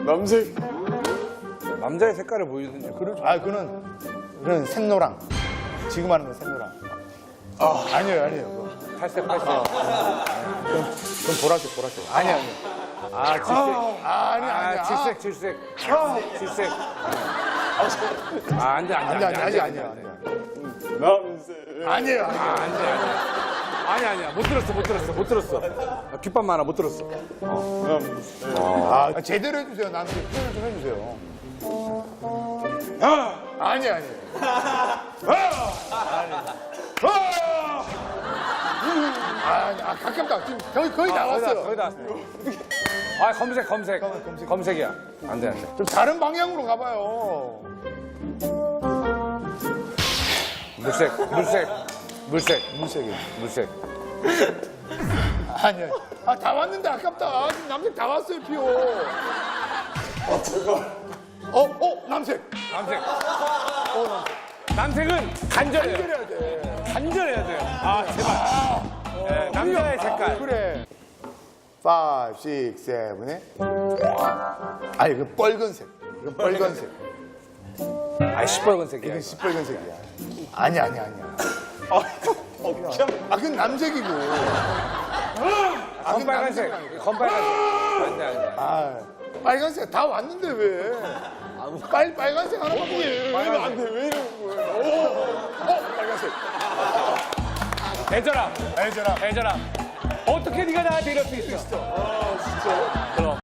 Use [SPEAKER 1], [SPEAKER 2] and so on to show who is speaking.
[SPEAKER 1] 남색.
[SPEAKER 2] 남자의 색깔을 보이든지 그러죠.
[SPEAKER 3] 아, 그는 샛노랑. 지금 하는 건 샛노랑. 아니에요.
[SPEAKER 2] 탈색.
[SPEAKER 3] 그건 보라색. 아니에요.
[SPEAKER 2] 아, 질색.
[SPEAKER 3] 아니야.
[SPEAKER 2] 질색. 안 돼.
[SPEAKER 3] 아니야.
[SPEAKER 1] 남색.
[SPEAKER 3] 아니에요.
[SPEAKER 2] 아니야. 못 들었어. 귓밥 많아, 못 들었어.
[SPEAKER 3] 제대로 해주세요. 나한테 표현을 좀 해주세요. 아니에요. 가깝다. 지금 거의 나왔어요.
[SPEAKER 2] 거의 다 왔어요. 아, 검색이야. 안 돼.
[SPEAKER 3] 좀 다른 방향으로 가봐요.
[SPEAKER 2] 물색.
[SPEAKER 3] 아니야. 다 왔는데 아깝다. 지금 남색 다 왔어요, 피오. 남색.
[SPEAKER 2] 남색은 간절해요.
[SPEAKER 3] 해야 돼.
[SPEAKER 2] 간절해야 돼요. 아, 제발. 네, 남자의 색깔.
[SPEAKER 3] 그래. 5, 6, 7, 8. 아니, 그 빨간색. 이건 빨간색.
[SPEAKER 2] 아, 시뻘건색이야.
[SPEAKER 3] 이건 시뻘건색이야. 아니야. 그건 남색이고.
[SPEAKER 2] 검빨간색. 안 돼.
[SPEAKER 3] 빨간색 다 왔는데 왜? 빨간색 하나만 보여.
[SPEAKER 1] 안 돼. 왜 이러는 거예요?
[SPEAKER 3] 빨간색.
[SPEAKER 2] 애절함. 어떻게 네가 나한테 이럴 수 있어?
[SPEAKER 3] 진짜.
[SPEAKER 2] 그럼.